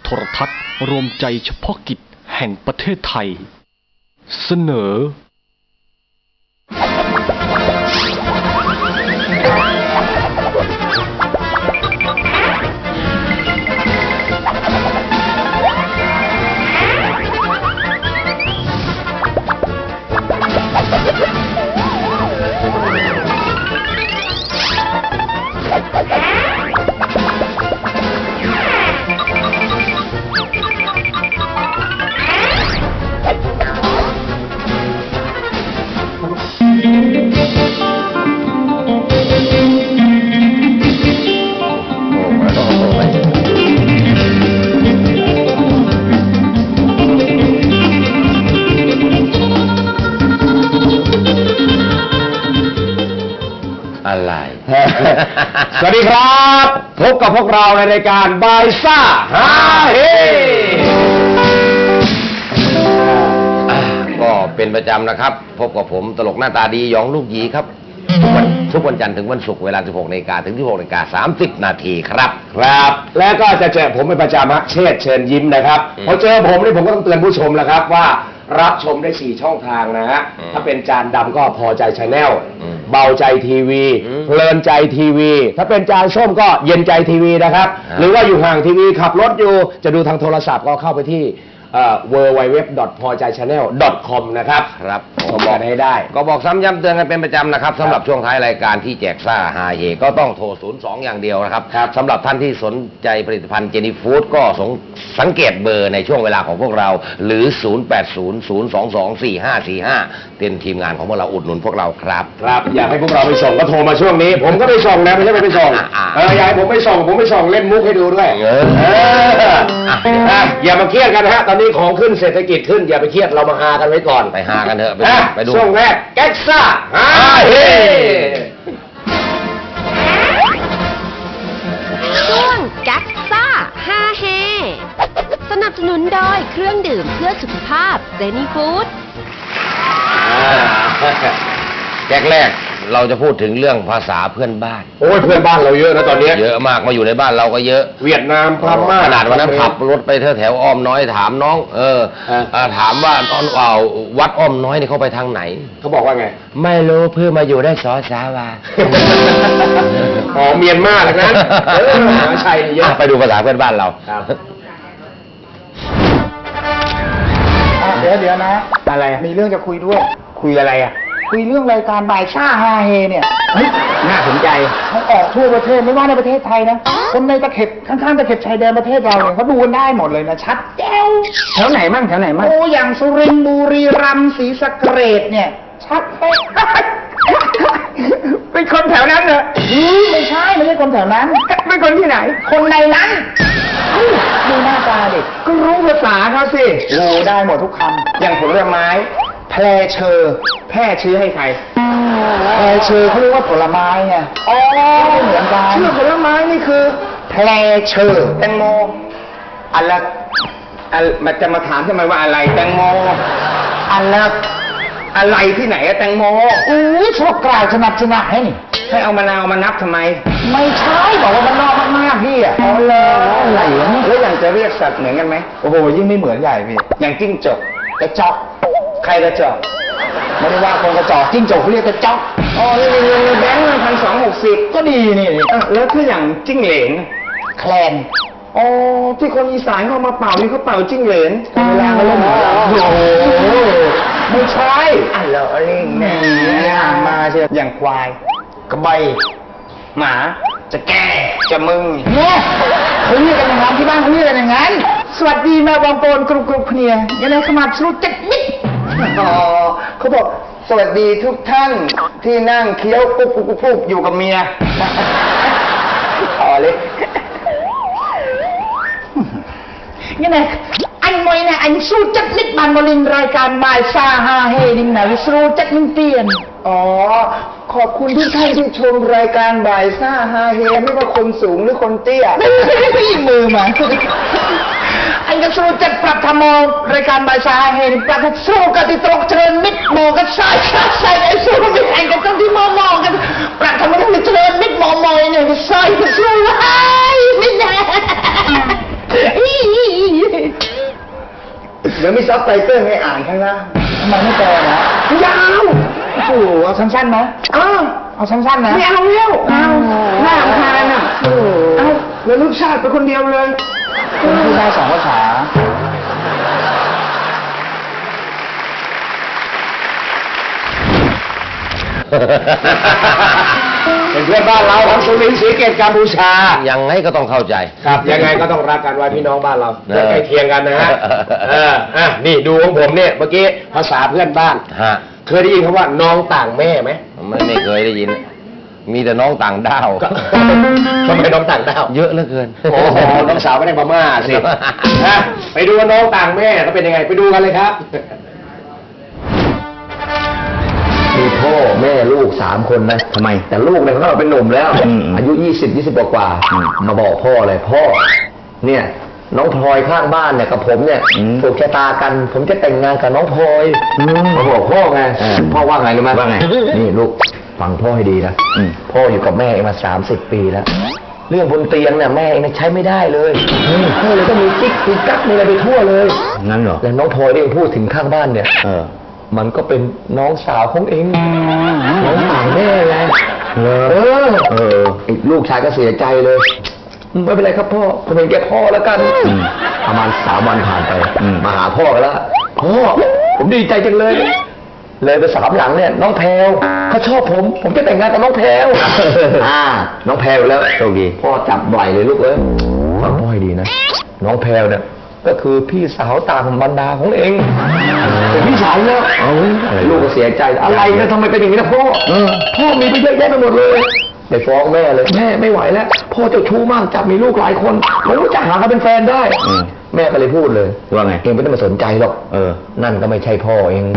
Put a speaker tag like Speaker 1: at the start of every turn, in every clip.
Speaker 1: ทรทัศน์รวมใจเฉพาะกิจแห่งประเทศไทยเสนอ
Speaker 2: อะไร สวัสดีครับพบกับพวกเราในรายการบายซ่าฮาเฮก็เป็นประจำนะครับพบกับผมตลกหน้าตาดีหยองลูกหยีครับทุกวันจันทร์ถึงวันศุกร์เวลา 16 น.ถึง 16 น. 30 นาทีครับครับและก็จะเจอผมเป็นประจำฮะเชษยิ้มนะครับพอเจอผมนี่ผมก็ต้องเตือนผู้ชมแล้วครับว่ารับชมได้4ช่องทางนะฮะถ้าเป็นจานดำก็พอใจชาแนลเบาใจทีวีเพลินใจทีวีถ้าเป็นจานส้มก็เย็นใจทีวีนะครับหรือว่าอยู่ห่างทีวีขับรถอยู่จะดูทางโทรศัพท์ก็เข้าไปที่www.pojaychannel.com นะครับครับก็บอกให้ได้ก็บอกซ้ำย้ำเตือนกันเป็นประจำนะครับสำหรับช่วงท้ายรายการที่แจกซ่าฮาเฮก็ต้องโทร02อย่างเดียวนะครับสำหรับท่านที่สนใจผลิตภัณฑ์เจนี่ฟู้ดก็สังเกตเบอร์ในช่วงเวลาของพวกเราหรือ0800224545เป็นทีมงานของพวกเราอุดหนุนพวกเราครับครับอยากให้พวกเราไปส่งก็โทรมาช่วงนี้ผมก็ไปส่งนะไม่ใช่ไปส่งอยากให้ผมไปส่งเล่นมุกให้ดูด้วยอย่ามาเครียดกันฮะตอนนี้ของขึ้นเศรษฐกิจขึ้นอย่าไปเครียดเรามาฮากันไว้ก่อนไปฮากันเถอะไปดูช่วงแรกแก๊กซ่าฮาเฮ
Speaker 3: ช่วงแก๊กซ่าฮาเฮสนับสนุนโดยเครื่องดื่มเพื่อสุขภาพเจนี่ฟู้ด
Speaker 2: แก๊กแรกเราจะพูดถึงเรื่องภาษาเพื่อนบ้านโอ้ยเพื่อนบ้านเราเยอะนะตอนนี้เยอะมากมาอยู่ในบ้านเราก็เยอะเวียดนามพม่าขนาดวันนั้นขับรถไปแถวอ้อมน้อยถามน้องถามว่าวัดอ้อมน้อยนี่เขาไปทางไหนเขาบอกว่าไงไม่รู้เพื่อมาอยู่ได้สาวาอ๋อเมียนมาเลยนะมหาชัยเยอะไปดูภาษาเพื่อนบ้านเรา
Speaker 4: เดี๋ยวนะอะไรมีเรื่องจะคุยด้วย
Speaker 2: คุยอะไรอ่ะ
Speaker 4: คุยเรื่องรายการบ่ายซ่าฮาเฮเนี่ยเฮ้ย
Speaker 2: น่าสนใจ
Speaker 4: เขาออกทั่วประเทศไม่ว่าในประเทศไทยนะคนในตะเข็บข้างๆตะเข็บชายแดนประเทศเราเนี่ยเขาดูกันได้หมดเลยนะชัดแจ๋ว
Speaker 2: แถวไหนมั่ง
Speaker 4: โอ้อย่างสุรินทร์บุรีรัมย์ศรีสะเกษเนี่ยชัดเป๊ะ
Speaker 2: เป็นคนแถวนั้นเหรอ
Speaker 4: ไม่ใช่คนแถวนั้น
Speaker 2: เป็นคนที่ไหน
Speaker 4: คนในนั้นดูหน้าตาเด็ก
Speaker 2: ก็รู้ภาษาเขาสิ
Speaker 4: รู้ได้หมดทุกคำ
Speaker 2: อย่างผลไม้
Speaker 4: แพร่เชอร์
Speaker 2: แพร่ชื่อให้ใคร
Speaker 4: แพร่เชอร์เขาเรียกว่าผลไม้ไง
Speaker 2: อ๋อ
Speaker 4: เหมือนกัน
Speaker 2: ชื่อผลไม้นี่คือ
Speaker 4: แพร่เชอร์
Speaker 2: แตงโมอะไรมันจะมาถามทำไมว่าอะไรแตงโมอะไรที่ไหนอะแตงโม
Speaker 4: ชอบกล่าวชนะ
Speaker 2: ให้เอามะนาวมานับทำไม
Speaker 4: ไม่ใช่บอกว่ามันนอกมากๆพี่อ่ะ
Speaker 2: อะไรแล้วอย่างจะเรียกสัตว์เหมือนกันไหม
Speaker 4: โอ้โหยิ่งไม่เหมือนใหญ่พี่
Speaker 2: อย่างจิ้งจก
Speaker 4: กระจอก
Speaker 2: ใครกระจอก
Speaker 4: ไม่ได้ว่าคนกระจอกจิ้งจกเขาเรียกกระจอก
Speaker 2: อ๋อนี่แบงค์1,260
Speaker 4: ก็ดีนี่
Speaker 2: แล้วถ้าอย่างจิ้งเหลน
Speaker 4: แคลน
Speaker 2: อ๋อที่คนอีสานเขามาเป่านี่เขาเป่าจิ้งเหลน
Speaker 4: เวลาเขาเล่นโอ้โหไม่ใช่
Speaker 2: เหรอเล่นแน่
Speaker 4: มาเชียว
Speaker 2: อย่างควาย
Speaker 4: กระใบ
Speaker 2: หมาจะแก่จะมึง
Speaker 4: เนี่ยเขาเรียกกันอย่างนั้นที่บ้านเขาเรียกกันอย่างนั้นสวัสดีแม่บางปนกรุบเนี่ยยังไงขมับสรุปจัดมิด
Speaker 2: เขาบอกสวัสดีทุกท่านที่นั่งเคี้ยวปุ๊บอยู่กับเมีย
Speaker 4: ต่อเลยยังไงanh mới này anh su chất nít bàn một lầnรายการบ่ายซ่าฮาเฮนิ่งไหนสู้จัดนิ่งเตียน
Speaker 2: อ๋อขอบคุณทุกท่านที่ชมรายการบ่ายซ่าฮาเฮไม่ว่าคนสูงหรือคนเตี้ย
Speaker 4: ไม่ยิงมือมาanhก็สู้จัดปรับธรรมรายการบ่ายซ่าฮาเฮปรับสู้กันที่ตรงเชิญมิดโมกันใส่ไอ้สู้มิดไอ้ก็ต้องที่มองกันปรับธรรมกันเชิญมิดมอยเนี่ยใส่กันสู้ไอ้ไม่แน่ซับไตเติ้ลให้อ่านข้างล่างทำไมไม่แปลนะยาวโอ้โหเอาสั้นๆนะเอาสั้นๆนะไม่เอาแล้วเอาหน้าทานอ่ะเอาแล้วลูกชาติไปคนเดียวเลยคุณพูดได้2 ภาษา
Speaker 2: เป็นเพื่อนบ้านเราทั้งสุรินทร์ศรีเกตกัมพูชายังไงก็ต้องเข้าใจครับยังไงก็ต้องรักกันไว้พี่น้องบ้านเราจะใกล้เคียงกันนะฮะนี่ดูของผมเนี่ยเมื่อกี้ภาษาเพื่อนบ้านเคยได้ยินคำว่าน้องต่างแม่ไหมไม่เคยได้ยินมีแต่น้องต่างด้าวทำไมน้องต่างด้าวเยอะเหลือเกินโอ้โหน้องสาวไม่ได้พม่าสิไปดูน้องต่างแม่เขาเป็นยังไงไปดูกันเลยครับมีพ่อแม่ลูก3 คนนะทำไมแต่ลูกเนี่ยเขาเป็นหนุ่มแล้วอายุ20 กว่ามาบอกพ่อเลยพ่อเนี่ยน้องพลอยข้างบ้านเนี่ยกับผมเนี่ยถูกชะตากันผมจะแต่งงานกับน้องพลอยมาบอกพ่อไงพ่อว่าไงรู้ไหมว่าไงนี่ลูกฟังพ่อให้ดีนะพ่ออยู่กับแม่เองมา30 ปีแล้วเรื่องบนเตียงเนี่ยแม่เองใช้ไม่ได้เลยพ่อเลยต้องมีกิ๊กมีกั๊กมีอะไรไปทั่วเลยงั้นเหรอแล้วน้องพลอยที่พูดถึงข้างบ้านเนี่ยมันก็เป็นน้องสาวของเองน้องต่างแม่ไงลูกชายก็เสียใจเลยไม่เป็นไรครับพ่อผมเห็นแก่พ่อแล้วกันประมาณ3 วันผ่านไปมาหาพ่อกันแล้วพ่อผมดีใจจังเลยไป3 หลังเนี่ยน้องแพรวเขาชอบผมจะแต่งงานกับน้องแพรวน้องแพรวแล้วโชคดีพ่อจับไหล่เลยลูกฟังพ่อให้ดีนะน้องแพรวเนี่ยก็คือพี่สาวต่างบรรดาของเองเป็นพี่สาวแล้วลูกก็เสียใจอะไรนะทำไมเป็นอย่างนี้นะพ่อมีไปเยอะแยะไปหมดเลยไปฟ้องแม่เลยแม่ไม่ไหวแล้วพ่อเจ้าชู้มากจับมีลูกหลายคนผมก็จะหาเขาเป็นแฟนได้แม่ก็เลยพูดเลยว่าไงเองไม่ต้องมาสนใจหรอกนั่นก็ไม่ใช่พ่อเอง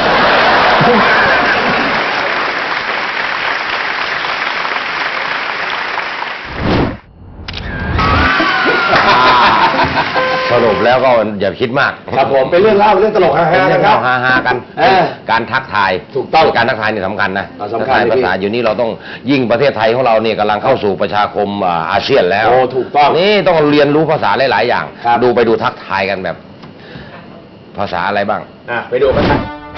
Speaker 2: สรุปแล้วก็อย่าคิดมากครับผมเป็นเรื่องเล่าเรื่องตลกฮาๆนะครับฮาๆกันการทักทายถูกต้องการทักทายนี่สำคัญนะสำคัญภาษาอยู่นี้เราต้องยิ่งประเทศไทยของเราเนี่ยกำลังเข้าสู่ประชาคมอาเซียนแล้วถูกต้องนี่ต้องเรียนรู้ภาษาหลายๆอย่างไปดูทักทายกันแบบภาษาอะไรบ้างไปดูกัน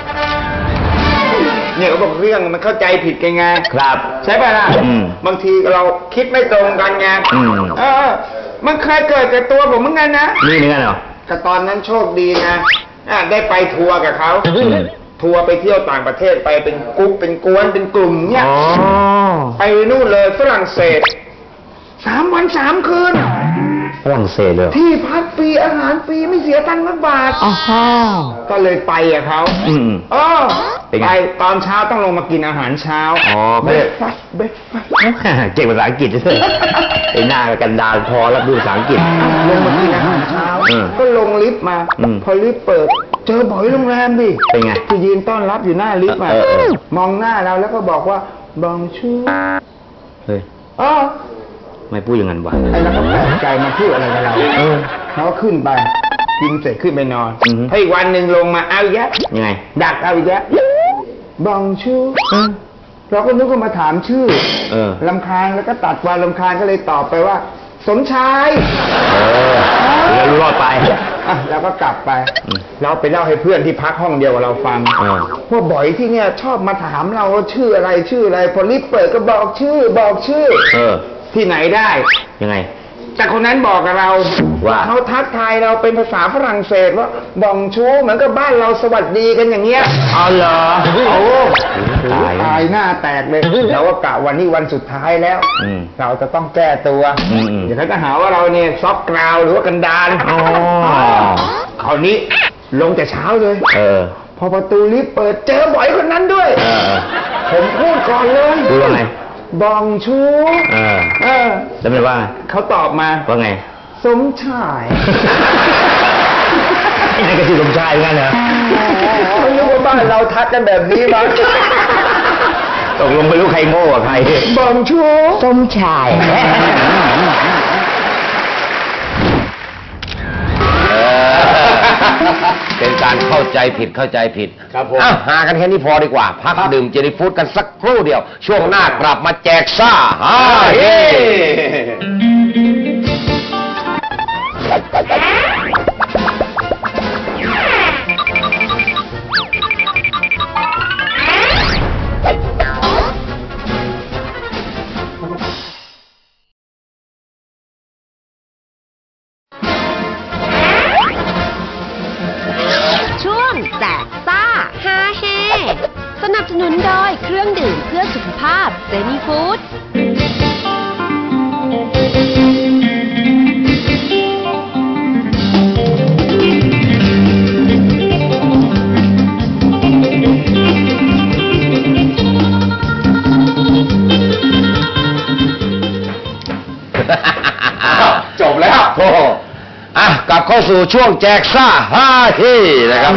Speaker 2: เนี่ยเขาบอกเรื่องมันเข้าใจผิดกันไงครับใช่ป่ะล่ะบางทีเราคิดไม่ตรงกันไงมันเคยเกิดกับตัวผมเหมือนกันนะนี่เหมือนกันเหรอแต่ตอนนั้นโชคดีนะได้ไปทัวร์กับเขาทัวร์ไปเที่ยวต่างประเทศไปเป็นกรุ๊ปเป็นกวนเป็นกลุ่มเนี่ยไปนู่นเลยฝรั่งเศส3 วัน 3 คืนฝรั่งเศสเลยที่พักฟรีอาหารฟรีไม่เสียตังค์สักบาทก็เลยไปกับเขาไปตอนเช้าต้องลงมากินอาหารเช้าเบรกฟาสต์เก่งภาษาอังกฤษด้วยไอ้หน้ากันดารพอรับดูภาษาอังกฤษลงมากินอาหารเช้าก็ลงลิฟต์มาพอลิฟต์เปิดเจอบ่อยโรงแรมดิเป็นไงที่ยืนต้อนรับอยู่หน้าลิฟต์มามองหน้าเราแล้วก็บอกว่าบองชูเฮ้ยไม่พูดอย่างนั้นวะไอ้เราก็แปลกใจมาพูดอะไรกับเราเขาขึ้นไปกินเสร็จขึ้นไปนอนให้อีกวันหนึ่งลงมาเอาอีกแล้วยังไงดักเอาอีกแล้วบองชูเราก็นึกว่ามาถามชื่อรำคาญแล้วก็ตัดวันรำคาญก็เลยตอบไปว่าสมชายแล้วรอดไปแล้วก็กลับไปเราไปเล่าให้เพื่อนที่พักห้องเดียวกับเราฟังว่าบ่อยที่เนี่ยชอบมาถามเราว่าชื่ออะไรพอรีบเปิดก็บอกชื่อที่ไหนได้ยังไงแต่คนนั้นบอกกับเราว่าเขาทักทายเราเป็นภาษาฝรั่งเศสว่าบองชูเหมือนกับบ้านเราสวัสดีกันอย่างเงี้ยอ๋อเหรอตายหน้าแตกเลยเราก็กะวันนี้วันสุดท้ายแล้วเราจะต้องแก้ตัวเดี๋ยวเขาจะหาว่าเราเนี่ยซอกกราวหรือว่ากันดารคราวนี้ลงแต่เช้าเลยพอประตูลิฟต์เปิดเจอบ่อยคนนั้นด้วยผมพูดก่อนเลยพูดว่าไงบองชูแล้วมันว่าเขาตอบมาว่าไงสมชายนี่ก็คือสมชายงั้นเหรอไม่รู้ว่าบ้านเราทักกันแบบนี้มั้งตกลงไม่รู้ใครโง่กว่าใครบองชูสมชายเป็นการเข้าใจผิดครับผมหากันแค่นี้พอดีกว่าพักดื่มเจนี่ฟู้ดกันสักครู่เดียวช่วงหน้ากลับมาแจกซ่าเฮ้
Speaker 3: าพเจนี่ฟู้ด
Speaker 2: จบแล้วโอ้กลับเข้าสู่ช่วงแจกซ่าฮาเฮนะครับ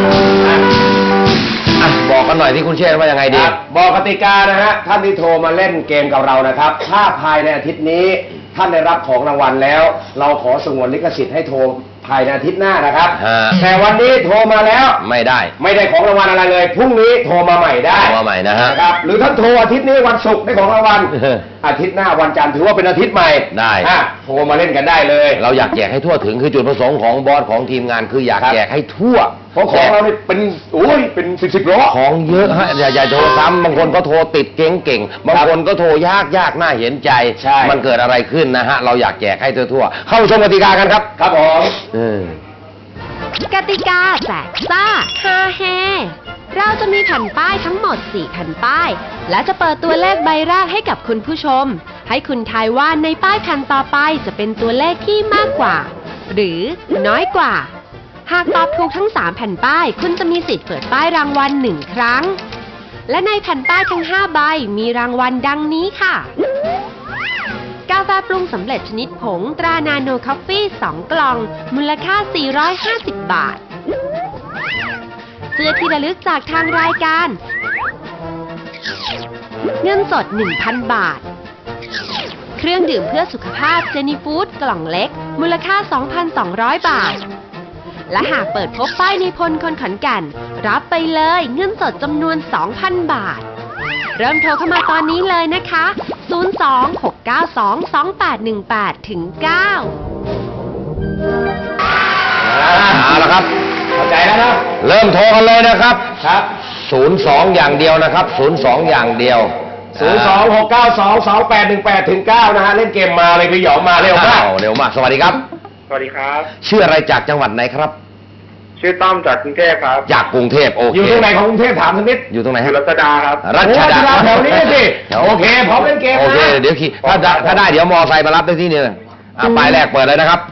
Speaker 2: บอกกันหน่อยที่คุณเชษฐ์ว่ายังไงดีบอกกติกานะฮะท่านที่โทรมาเล่นเกมกับเรานะครับถ้าภายในอาทิตย์นี้ท่านได้รับของรางวัลแล้วเราขอสงวนลิขสิทธิ์ให้โทรภายในอาทิตย์หน้านะครับแต่วันนี้โทรมาแล้วไม่ได้ของรางวัลอะไรเลยพรุ่งนี้โทรมาใหม่ได้มาใหม่นะครับหรือท่านโทรอาทิตย์นี้วันศุกร์ได้ของรางวัลอาทิตย์หน้าวันจันทร์ถือว่าเป็นอาทิตย์ใหม่ได้โทรมาเล่นกันได้เลยเราอยากแจกให้ทั่วถึงคือจุดประสงค์ของบอสของทีมงานคืออยากแจกให้ทั่วเพราะของเราเป็นเป็นสิบล้อของเยอะฮะอย่าโทรซ้ำบางคนก็โทรติดเก่งบางคนก็โทรยากน่าเห็นใจมันเกิดอะไรขึ้นนะฮะเราอยากแจกให้ทั่วเข้าชมกติกากันครับครับผม
Speaker 3: กติกาแจกซ่าฮาเฮเราจะมีแผ่นป้ายทั้งหมด4แผ่นป้ายและจะเปิดตัวเลขใบแรกให้กับคุณผู้ชมให้คุณทายว่าในป้ายแผ่นต่อไปจะเป็นตัวเลขที่มากกว่าหรือน้อยกว่าหากตอบถูกทั้ง3แผ่นป้ายคุณจะมีสิทธิ์เปิดป้ายรางวัล1ครั้งและในแผ่นป้ายทั้ง5ใบมีรางวัลดังนี้ค่ะกาแฟปรุงสำเร็จชนิดผงตรานาโนคอฟฟี่2กล่องมูลค่า450 บาทเสื้อที่ระลึกจากทางรายการเงินสด 1,000 บาทเครื่องดื่มเพื่อสุขภาพเจนี่ฟู้ดกล่องเล็กมูลค่า 2,200 บาทและหากเปิดพบป้ายในพลคนขอนแก่นรับไปเลยเงินสดจำนวน 2,000 บาทเริ่มโทรเข้ามาตอนนี้เลยนะคะ 026922818 ถึง 9
Speaker 2: เอาละครับเข้าใจแล้วนะเริ่มโทรกันเลยนะครับครับ02อย่างเดียวนะครับ02อย่างเดียว026922818 ถึง 9นะฮะเล่นเกมมาเลยพี่หยองมาเร็วมากสวัสดีครับ
Speaker 5: สวัสดีครับ
Speaker 2: ชื่ออะไรจากจังหวัดไหนครับ
Speaker 5: ชื่อต้อมจากกรุงเทพครับ
Speaker 2: จากกรุงเทพโอเค
Speaker 5: อยู่ตรงไหนของกรุงเทพถามสักนิด
Speaker 2: อยู่ตรงไหนฮะ
Speaker 5: รัชดาครับ
Speaker 2: รัชดา
Speaker 5: แถวนี้สิ
Speaker 2: โอเคพร้อมเล่นเกมโอเคเดี๋ยวขี่ถ้าได้เดี๋ยวมอไซค์มารับได้ที่นี่ป้ายแรกเปิดเลยนะครับ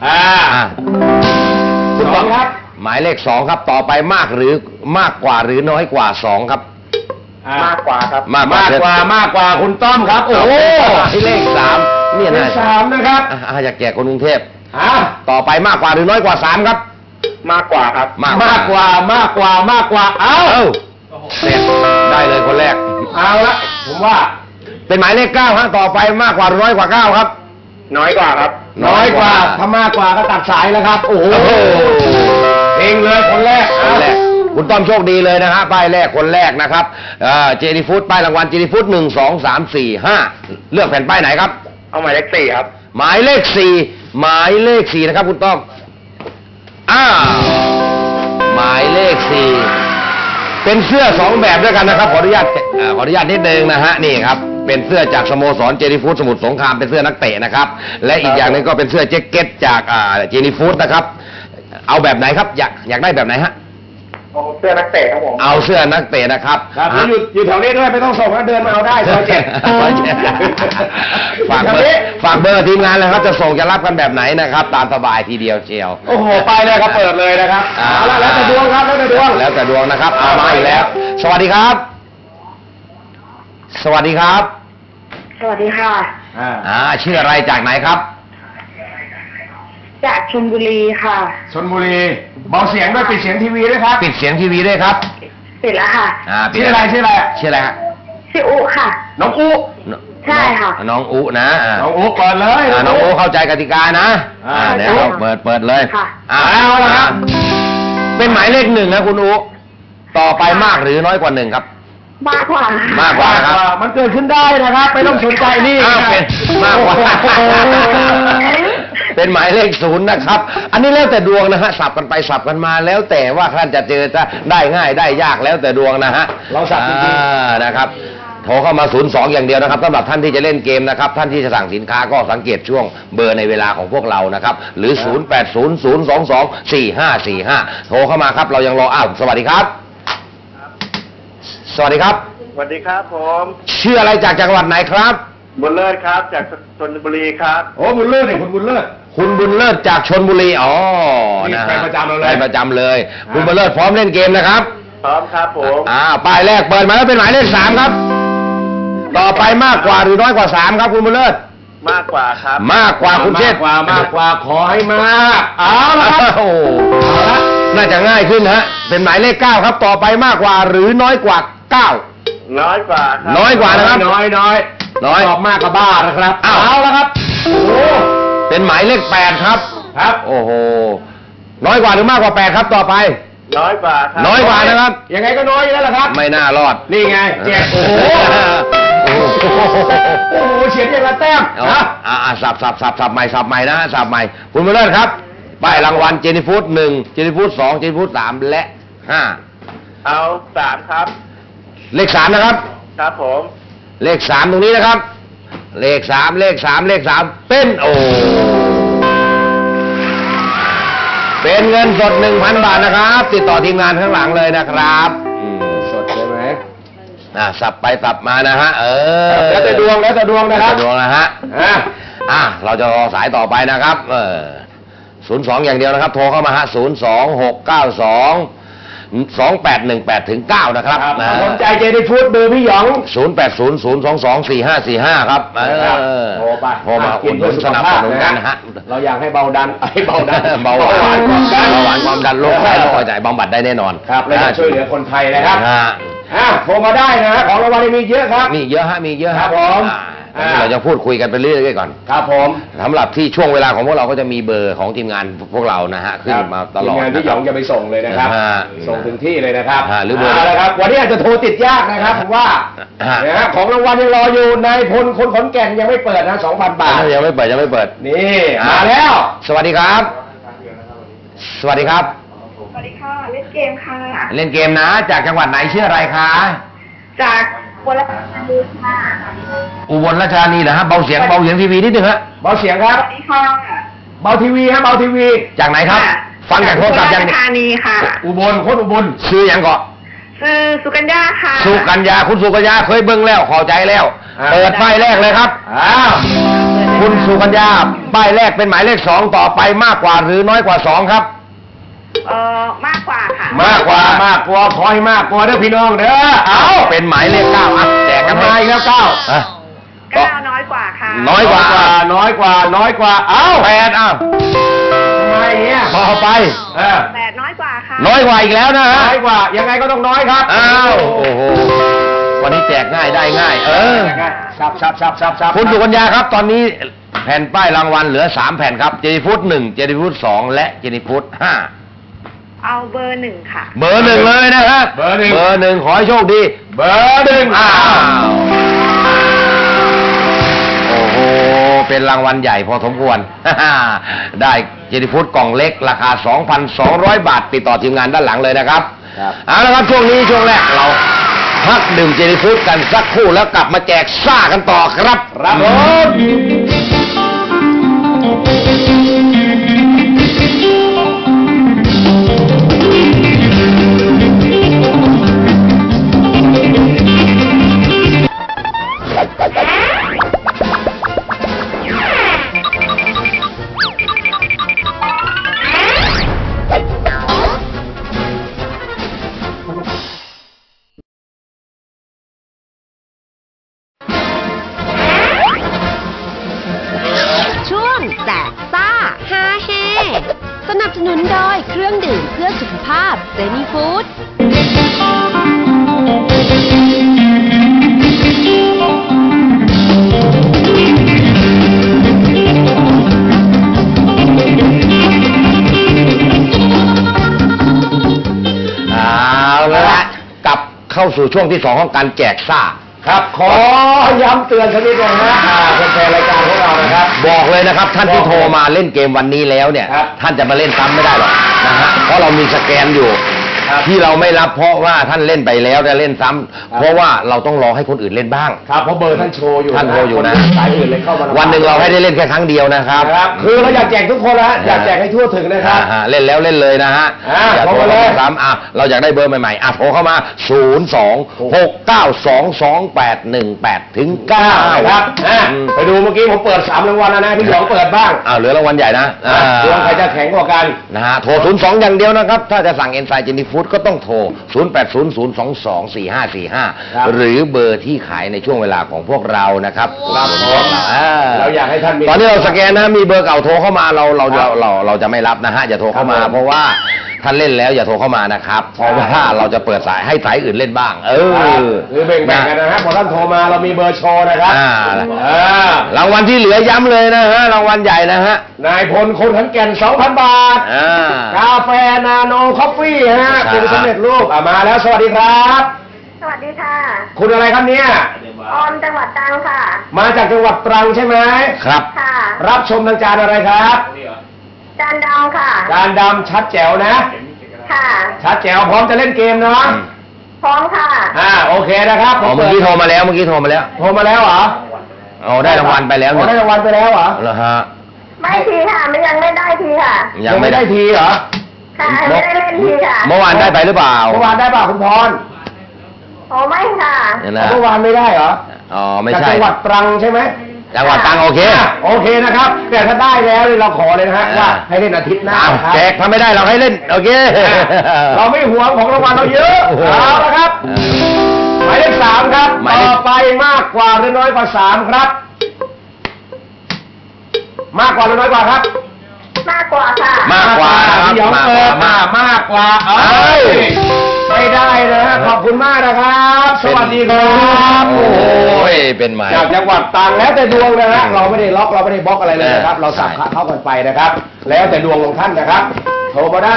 Speaker 2: คุณต้อมครับหมายเลข2ครับต่อไปมากกว่าหรือน้อยกว่า2ครับ
Speaker 5: มากกว่าครับ
Speaker 2: มากกว่าคุณต้อมครับโอ้โหเลข3เนี่ยนะ
Speaker 5: 3นะครับ
Speaker 2: อยากแจกคนกรุงเทพต่อไปมากกว่าหรือน้อยกว่า3ครับ
Speaker 5: มากกว่าครับ
Speaker 2: มากกว่าเอาเสร็จได้เลยคนแรก
Speaker 5: เอาละผมว่า
Speaker 2: เป็นหมายเลข9ฮะต่อไปมากกว่าหรือน้อยกว่า9ครับ
Speaker 5: น้อยกว่าครับ
Speaker 2: น้อยกว่าถ้ามากกว่าก็ตัดสายแล้วครับโอ้โหเองเลยคนแรกคุณต้อมโชคดีเลยนะฮะป้ายแรกคนแรกนะครับเจนี่ฟู้ดป้ายรางวัลเจนี่ฟู้ด1 2 3 4 5เลือกแผ่นป้ายไหนครับ
Speaker 5: เอาหมายเลข4ครับ
Speaker 2: หมายเลข4นะครับคุณต้อมหมายเลข4เป็นเสื้อ2แบบด้วยกันนะครับขออนุญาตนิดนึงนะฮะนี่ครับเป็นเสื้อจากสโมสรเจนี่ฟู้ดสมุทรสงครามเป็นเสื้อนักเตะนะครับและอีกอย่างนึงก็เป็นเสื้อแจ็คเก็ตจากเจนี่ฟู้ดนะครับเอาแบบไหนครับอยากได้แบบไหนฮะ
Speaker 5: เอาเสื้อนักเตะครับผม
Speaker 2: เอาเสื้อนักเตะนะครับ
Speaker 5: อยู่แถวนี้ด้วยไม่ต้องส่งนะเดินมาเอาได้ซอย7
Speaker 2: ฝากเบอร์ทีมงานเลยครับจะส่งจะรับกันแบบไหนนะครับตามสบายทีเดียวเชียว
Speaker 5: โอ้โหไปเลยครับเปิดเลยนะครับแล้วแต่ดวงครับแล้วแต่ดว
Speaker 2: งนะครับเอามาอีกแล้วสวัสดีครับ
Speaker 6: สวัสดีค่ะ
Speaker 2: ชื่ออะไรจากไหนครับ
Speaker 6: จากชลบุรีค่ะ
Speaker 5: ชลบุรีเบาเสียงด้วยปิดเสียงทีวีด้วยครับ
Speaker 2: ปิดเสียงทีวีด้วยครับ
Speaker 6: ปิดแล้วค่ะ
Speaker 5: ชื่ออะไร
Speaker 6: ชื่ออุค่ะ
Speaker 5: น้องอุ
Speaker 6: ใช่ค่ะ
Speaker 2: น้องอุนะ
Speaker 5: น้องอุเปิดเลย
Speaker 2: น้องอุเข้าใจกติกานะเดี๋ยวเปิดเลย
Speaker 5: เอาละครับ
Speaker 2: เป็นหมายเลข1นะคุณอุต่อไปมากหรือน้อยกว่า1ครับ
Speaker 6: มากกว่า
Speaker 2: ครับ
Speaker 5: มันเกิดขึ้นได้นะครับไม่ต้องสนใจนี่
Speaker 2: เป็นมากกว่าเป็นหมายเลข0นะครับอันนี้แล้วแต่ดวงนะฮะสับกันไปสับกันมาแล้วแต่ว่าท่านจะเจอจะได้ง่ายได้ยากแล้วแต่ดวงนะฮะ
Speaker 5: เราสับจริง
Speaker 2: ๆนะครับโทรเข้ามา02อย่างเดียวนะครับสำหรับท่านที่จะเล่นเกมนะครับท่านที่จะสั่งสินค้าก็สังเกตช่วงเบอร์ในเวลาของพวกเรานะครับหรือ0800224545โทรเข้ามาครับเรายังรอสวัสดีครับสวัสดีครับ
Speaker 5: สวัสดีครับผม
Speaker 2: ชื่ออะไรจากจังหวัดไหนครับ
Speaker 5: บุญเลิศครับจากชลบุรีครับ
Speaker 2: โอ้บุญเลิศเนี่ยคุณบุญเลิศคุณบุญเลิศจากชลบุรีอ๋อ
Speaker 5: นี่
Speaker 2: นะ
Speaker 5: ไปประจำเราเลย
Speaker 2: ไปประจำเลย คุณบุญเลิศพร้อมเล่นเกมนะครับ
Speaker 5: พร้อมครับผม
Speaker 2: ป้ายแรกเปิดมาแล้วเป็นหมายเลข3ครับต่อไปมากกว่าหรือน้อยกว่า3ครับคุณบุญเลิศ
Speaker 5: มากกว่าครับ
Speaker 2: มากกว่าคุณเชษฐ์
Speaker 5: มากกว่าขอให้มาก
Speaker 2: เอาละครับโอ้เอาละน่าจะง่ายขึ้นฮะเป็นหมายเลข9ครับต่อไปมากกว่าหรือน้อยกว่า9
Speaker 5: น้อยกว่าครับ
Speaker 2: น้อยกว่านะครับ
Speaker 5: น้อย
Speaker 2: ตอบมากกับบ้านะครับเอาละครับโอ้เป็นหมายเลข8ครับ
Speaker 5: ครับ
Speaker 2: โอ้โหน้อยกว่าหรือมากกว่า8ครับต่อไป
Speaker 5: น้อยกว่าครับ
Speaker 2: น้อยกว่านะครับ
Speaker 5: ยังไงก็น้อยอยู่แล้วล่ะครับ
Speaker 2: ไม่น่ารอด
Speaker 5: นี่ไงเจ็ดโอ้โห
Speaker 2: โอ้โห
Speaker 5: โอ้โหเฉียดอย่างละแต้ม
Speaker 2: เอา
Speaker 5: นะ
Speaker 2: สับใหม่นะสับใหม่คุณบุญเลิศครับป้ายรางวัลเจนี่ฟู้ด1เจนี่ฟู้ด2เจนี่ฟู้ด3และ5
Speaker 5: เอา3ครับ
Speaker 2: เลข3นะครับ
Speaker 5: ครับผม
Speaker 2: เลข3ตรงนี้นะครับ เลข3เป็นเป็นเงินสด 1,000 บาทนะครับ ติดต่อทีมงานข้างหลังเลยนะครับสดใช่ไหมสับไปสับมานะฮะ
Speaker 5: แล้วแต่ดวงนะครับ
Speaker 2: แล้วแต่ดวงนะฮะเราจะรอสายต่อไปนะครับ02อย่างเดียวนะครับโทรเข้ามาฮะ026922818-9นะครับ
Speaker 5: สนใจเจนี่ฟู้ดเบอร์พี่หยอง
Speaker 2: 0800224545ครับ
Speaker 5: โทรไป
Speaker 2: โทรมาอุดหนุนสนับสนุนกันนะฮะ
Speaker 5: เราอยากให้เบาดันเบาหวาน
Speaker 2: เบาหวานความดันโรคไตโรคหัวใจบำบัดได้แน่นอน
Speaker 5: ครับและจะช่วยเหลือคนไทยนะครับโทรมาได้นะของรางวัลมีเยอะครับ
Speaker 2: มีเยอะฮะ
Speaker 5: ครับผม
Speaker 2: เราจะพูดคุยกันไปเรื่อยๆก่อน
Speaker 5: ครับผม
Speaker 2: สำหรับที่ช่วงเวลาของพวกเราก็จะมีเบอร์ของทีมงานพวกเรานะฮะขึ้นมาตลอด
Speaker 5: ทีมงานที่หยองจะไปส่งเลยนะครับ ส่งถึงที่เลยนะครับ
Speaker 2: หรือเบอร์
Speaker 5: นะครับ วันนี้อาจจะโทรติดยากนะครับผมว่านะฮะของรางวัลยังรออยู่นายพลคนขอนแก่นยังไม่เปิดนะ 2,000 บาท
Speaker 2: ยังไม่เปิด
Speaker 5: นี่มาแล้ว
Speaker 2: สวัสดีครับ สวัสดีครับ
Speaker 6: สวัสดีค่ะ เล่นเกมค่ะ
Speaker 2: เล่นเกมนะจากจังหวัดไหนชื่ออะไรคะ
Speaker 6: จากวรธานีค่ะ
Speaker 2: อุบลราชธานีเหรอฮะเบาเสียงทีวีนิดนึงฮะ
Speaker 5: เบาเสียงครับ
Speaker 6: สวัสดีค่ะ
Speaker 5: เบาทีวีฮะเบาทีวี
Speaker 2: จากไหนครับ ฟังจากโทรศัพท์ยัง
Speaker 6: วรธานีค่ะ
Speaker 5: อุบลโคตรอุบล
Speaker 2: ชื่อยังก่อน
Speaker 6: ชื่อสุกัญญาค่ะ
Speaker 2: สุกัญญาคุณสุกัญญาเคยเบิ้งแล้วขอใจแล้วเปิดป้ายแรกเลยครับคุณสุกัญญาป้ายแรกเป็นหมายเลข2ต่อไปมากกว่าหรือน้อยกว่า2ครับ
Speaker 6: มากกว่าค่ะ
Speaker 2: มากกว่า
Speaker 5: ขอให้มากกว่าเด้อพี่น้องเด้อ
Speaker 2: เอาเป็นหมายเลข9อ่ะแจกกัน
Speaker 5: มาอีกแล้ว9
Speaker 6: 9 น้อยกว่าค่ะ
Speaker 2: น้อยกว่า
Speaker 5: น้อยกว่าเอ้า
Speaker 2: 8อ้าว
Speaker 5: ทำไมเนี่ย
Speaker 2: ต่อไป
Speaker 6: 8 น้อยกว่าค่ะ
Speaker 2: น้อยกว่าอีกแล้วนะฮะ
Speaker 5: น้อยกว่ายังไงก็ต้องน้อยครับ
Speaker 2: อ้าวโอ้โหวันนี้แจกง่ายได้ง่าย
Speaker 5: ชับ
Speaker 2: คุณสุกัญญาครับตอนนี้แผ่นป้ายรางวัลเหลือ3แผ่นครับเจนี่ฟู้ด1เจนี่ฟู้ด2และเจนี่ฟู้ด5
Speaker 6: เอาเบอร์ 1 ค่ะ
Speaker 2: เบอร์ 1เลยนะฮะเบอร์ 1ขอให้โชคดีเบอร์ 1อ้าวโอ้โหเป็นรางวัลใหญ่พอสมควร ได้เจนี่ฟู้ดกล่องเล็กราคา 2,200 บาทติดต่อทีมงานด้านหลังเลยนะครับเอาละครับช่วงนี้ช่วงแรกเราพักดื่มเจนี่ฟู้ดกันสักครู่แล้วกลับมาแจกซ่ากันต่อครับ
Speaker 5: ครับผม
Speaker 3: ช่วงแจกซ่าฮาเฮสนับสนุนโดยเครื่องดื่มเพื่อสุขภาพเจนี่ฟู้ด
Speaker 2: เอาละกลับเข้าสู่ช่วงที่2ของการแจกซ่า
Speaker 5: ครับขอย้ำเตือนสักนิดหนึงนะแฟนๆรายการของเรานะครับ
Speaker 2: บอกเลยนะครับท่านที่โทรมาเล่นเกมวันนี้แล้วเนี่ย
Speaker 5: ครับ
Speaker 2: ท่านจะมาเล่นซ้ำไม่ได้หรอกนะฮะเพราะเรามีสแกนอยู่ที่เราไม่รับเพราะว่าท่านเล่นไปแล้วจะเล่นซ้ำเพราะว่าเราต้องรอให้คนอื่นเล่นบ้าง
Speaker 5: ครับเพราะเบอร์ท่านโชว์อยู่
Speaker 2: ท่านโชว์อยู่นะ
Speaker 5: สายอื่นเลยเข้ามา
Speaker 2: วันหนึ่งเราให้ได้เล่นแค่ครั้งเดียวนะครับ
Speaker 5: ครับคือเราอยากแจกทุกคนนะฮะอยากแจกให้ทั่วถึงนะครับ
Speaker 2: เล่นแล้วเล่นเลยนะฮะ อย่าโทร
Speaker 5: โทรมาเลย
Speaker 2: ซ้ำเราอยากได้เบอร์ใหม่ๆโทรเข้ามา 026922818ถึง9
Speaker 5: ครับไปดูเมื่อกี้ผมเปิด3รางวัลแล้วนะพี่หยองเปิดบ้าง
Speaker 2: เหลือรางวัลใหญ่นะ
Speaker 5: ดวงใครจะแข็งกว่ากัน
Speaker 2: นะฮะโทร 02 อย่างเดียวนะครับ ถ้าจะสั่งเอนไซม์เจนี่ฟู้ดก็ต้องโทร 0800224545 หรือเบอร์ที่ขายในช่วงเวลาของพวกเรานะครับ
Speaker 5: เราอยากให้ท่านมี
Speaker 2: ตอนนี้เราสแกนนะมีเบอร์เก่าโทรเข้ามาเราจะไม่รับนะฮะอย่าโทรเข้ามา เพราะว่าท่านเล่นแล้วอย่าโทรเข้ามานะครับเพราะว่าเราจะเปิดสายให้สายอื่นเล่นบ้าง
Speaker 5: หรือแบ่งๆกันนะฮะพอท่านโทรมาเรามีเบอร์โชว์นะครับ
Speaker 2: รางวัลที่เหลือย้ำเลยนะฮะรางวัลใหญ่นะฮะ
Speaker 5: นายพลคนขอนแก่น 2,000 บาทกาแฟนาโนคอฟฟี่ฮะเป็นสำเร็จรูปมาแล้วสวัสดีครับ
Speaker 6: สวัสดีค่ะ
Speaker 5: คุณอะไรครับเนี่ย
Speaker 6: ออมจังหวัดตรังค่ะ
Speaker 5: มาจากจังหวัดตรังใช่ไหม
Speaker 2: ครับ
Speaker 6: ค่ะ
Speaker 5: รับชมทางจานอะไรครับ
Speaker 6: จานดำค่ะ
Speaker 5: จานดำชัดแจ๋วนะ
Speaker 6: ค่ะ
Speaker 5: ชัดแจ๋วพร้อมจะเล่นเกมเนาะ
Speaker 6: พร้อมค่ะ
Speaker 5: โอเคนะครับ
Speaker 2: เมื่อกี้โทรมาแล้ว
Speaker 5: โทรมาแล้วเหรอ
Speaker 2: ได้รางวัลไปแล้ว
Speaker 5: ได้รางวัลไปแล้วเหรอ
Speaker 2: แล้วฮะ
Speaker 6: ไม่ทีค่ะไม่ยังไม่ได้ทีค่ะ
Speaker 5: ยังไม่ได้ทีเหรอ
Speaker 6: ค่ะไม่ได้เล่นทีค่ะ
Speaker 2: เมื่อวานได้ไปหรือเปล่า
Speaker 5: เมื่อวานได้เปล่าคุณพร
Speaker 6: โอ้ไม่ค่ะ
Speaker 5: เมื่อวานไม่ได้เหรอ
Speaker 2: ไม่
Speaker 5: จาก
Speaker 2: ใช่
Speaker 5: จังหวัดตรังใช่ไหม
Speaker 2: จังหวัดตรังโอเค
Speaker 5: โอเคนะครับ แต่ถ้าได้แล้วเราขอเลยนะฮะว่าให้เล่นอาทิตย์หน้าครับ
Speaker 2: แจกถ้าไม่ได้เราให้เล่นโอเค
Speaker 5: เราไม่หวงของรางวัลเราเยอะเอาละครับหมายเลข3ครับต่อไปมากกว่าหรือน้อยกว่า3ครับ มากกว่าหรือน้อยกว่าครับ
Speaker 6: มากกว่าค่ะ
Speaker 2: มากกว่าครับ
Speaker 5: พี่หยองเปิดมากกว่าไม่ได้นะฮะขอบคุณมากนะครับ สวัสดีครับ
Speaker 2: โอ้ยเป็นไหม
Speaker 5: จากจังหวัดตรังแล้วแต่ดวงนะฮะเราไม่ได้ล็อกเราไม่ได้บล็อกอะไรเลยนะครับ เราสับขาเข้ากันไปนะครับ แล้วแต่ดวงของท่านนะครับโทรมาได้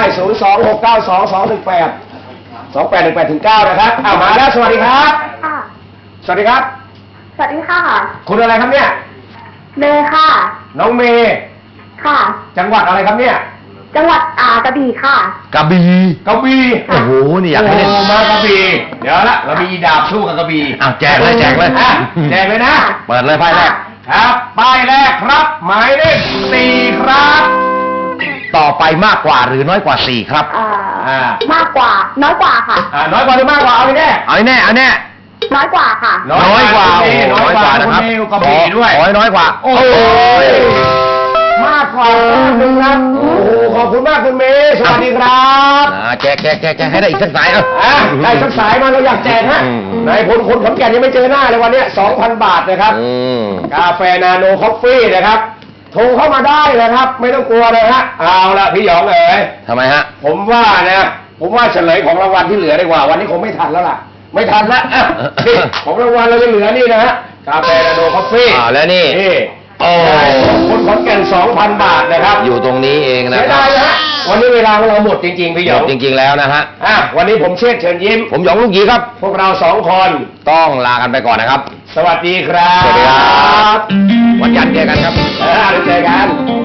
Speaker 5: 026922218 ถึง 9 นะครับมาแล้วสวัสดีครับ
Speaker 6: ค่ะ
Speaker 5: สวัสดีครับ
Speaker 6: สวัสดีค่ะ
Speaker 5: คุณอะไรครับเนี่ย
Speaker 6: เมย์ค่ะ
Speaker 5: น้องเมย์
Speaker 6: ค่ะ
Speaker 5: จังหวัดอะไรครับเนี่ย
Speaker 6: จังหวัดกระบี่ค่ะ
Speaker 2: กระบี่
Speaker 5: กระบี่
Speaker 2: โอ้โหนี่อยากให้เล่น
Speaker 5: มากระบี่เดี๋ยวละเรามีดาบสู้กับกระบี่
Speaker 2: แจกเลยแจกเลย
Speaker 5: แจกเลยนะ
Speaker 2: เปิดเลยไพ่แรก
Speaker 5: ครับป้ายแรกครับหมายเลข4ครับ
Speaker 2: ต่อไปมากกว่าหรือน้อยกว่า4ครับ
Speaker 6: มากกว่า น้อยกว่าค่ะ
Speaker 5: น้อยกว่าหรือมากกว่าเอาไปแน่
Speaker 2: เอาแน่เอาแน่
Speaker 6: น้อยกว่าค่ะ
Speaker 2: น้อยกว่า
Speaker 5: น้อยกว่านะครับ
Speaker 2: ณ
Speaker 5: กระบี่ด้วย
Speaker 2: น้อยกว่า
Speaker 5: โอ้ยมากกว่าหนึ่งครับโอ้โหขอบคุณมากคุณเมย์สวัสดีครับ
Speaker 2: แจกให้ได้อีกสักสาย
Speaker 5: ได้สักสายมาเราอยากแจกฮะนายพลคนขอนแก่นยังไม่เจอหน้าเลยวันนี้ 2,000 บาทนะครับกาแฟนาโนคอฟฟี่นะครับโทรเข้ามาได้นะครับไม่ต้องกลัวเลยฮะเอาละพี่หยองเอ๋ย
Speaker 2: ทำไมฮะ
Speaker 5: ผมว่าเฉลยของรางวัลที่เหลือดีกว่าวันนี้คงไม่ทันแล้วล่ะไม่ทันละนี่ของรางวัลเราจะเหลือนี่นะฮะกาแฟนาโนคอฟฟี่
Speaker 2: แล้วนี่โอ้
Speaker 5: คนขอนแก่น 2,000 บาทนะครับ
Speaker 2: อยู่ตรงนี้เองนะ
Speaker 5: ไม่
Speaker 2: ครั
Speaker 5: ได้
Speaker 2: บ
Speaker 5: นะฮะวันนี้เวลาของเราหมดจริงๆพี่หย
Speaker 2: หย
Speaker 5: อง
Speaker 2: จริงๆแล้วนะฮะ
Speaker 5: วันนี้ผมเชษฐ์เชิญยิ้ม
Speaker 2: ผมหยองลูกหยีครับ
Speaker 5: พวกเรา2 คน
Speaker 2: ต้องลากันไปก่อนนะครับ
Speaker 5: สวัสดีครับ
Speaker 2: สวัสดีครับ วันจันทร์เจอกันครับ
Speaker 5: เดี๋ยวเจอกัน